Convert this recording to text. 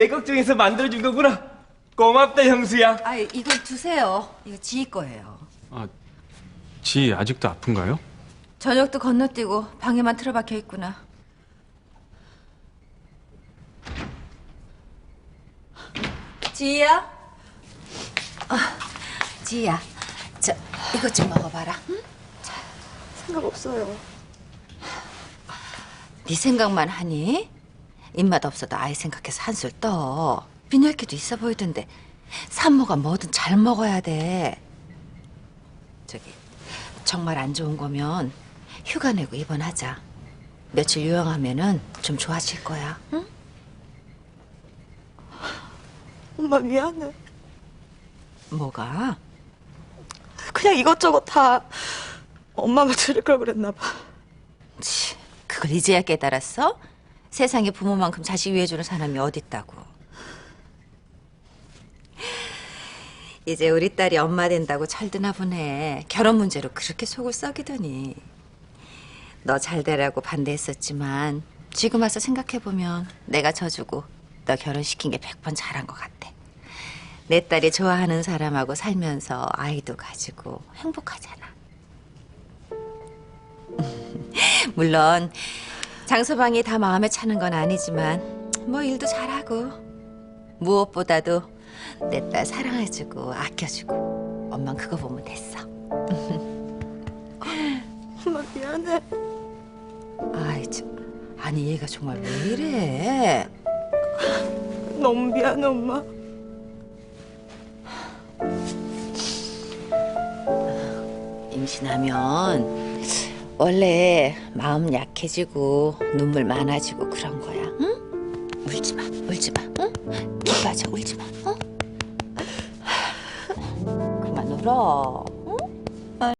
내 걱정해서 만들어준 거구나. 고맙다, 형수야. 아, 이건 두세요. 이거 지희 거예요. 아, 지 아직도 아픈가요? 저녁도 건너뛰고 방에만 틀어박혀 있구나. 지희야? 지희야, 저 이것 좀 먹어봐라. 응? 생각 없어요. 네 생각만 하니? 입맛 없어도 아이 생각해서 한술 떠. 빈혈기도 있어 보이던데 산모가 뭐든 잘 먹어야 돼. 저기 정말 안 좋은 거면 휴가 내고 입원하자. 며칠 요양하면은 좀 좋아질 거야. 응? 엄마 미안해. 뭐가? 그냥 이것저것 다 엄마가 들을 걸 그랬나 봐. 치, 그걸 이제야 깨달았어? 세상에 부모만큼 자식 위해주는 사람이 어딨다고. 이제 우리 딸이 엄마 된다고 철드나 보네. 결혼 문제로 그렇게 속을 썩이더니. 너 잘 되라고 반대했었지만 지금 와서 생각해보면 내가 져주고 너 결혼시킨 게 100번 잘한 것 같아. 내 딸이 좋아하는 사람하고 살면서 아이도 가지고 행복하잖아. 물론 장서방이 다 마음에 차는 건 아니지만 뭐 일도 잘하고 무엇보다도 내 딸 사랑해주고 아껴주고 엄만 그거 보면 됐어. 엄마 미안해. 아이 참, 아니 얘가 정말 왜 이래? 너무 미안해 엄마. 임신하면 원래 마음 약해지고 눈물 많아지고 그런 거야. 응? 울지 마, 울지 마. 응? 입 빠져, 울지 마. 응? 그만 울어.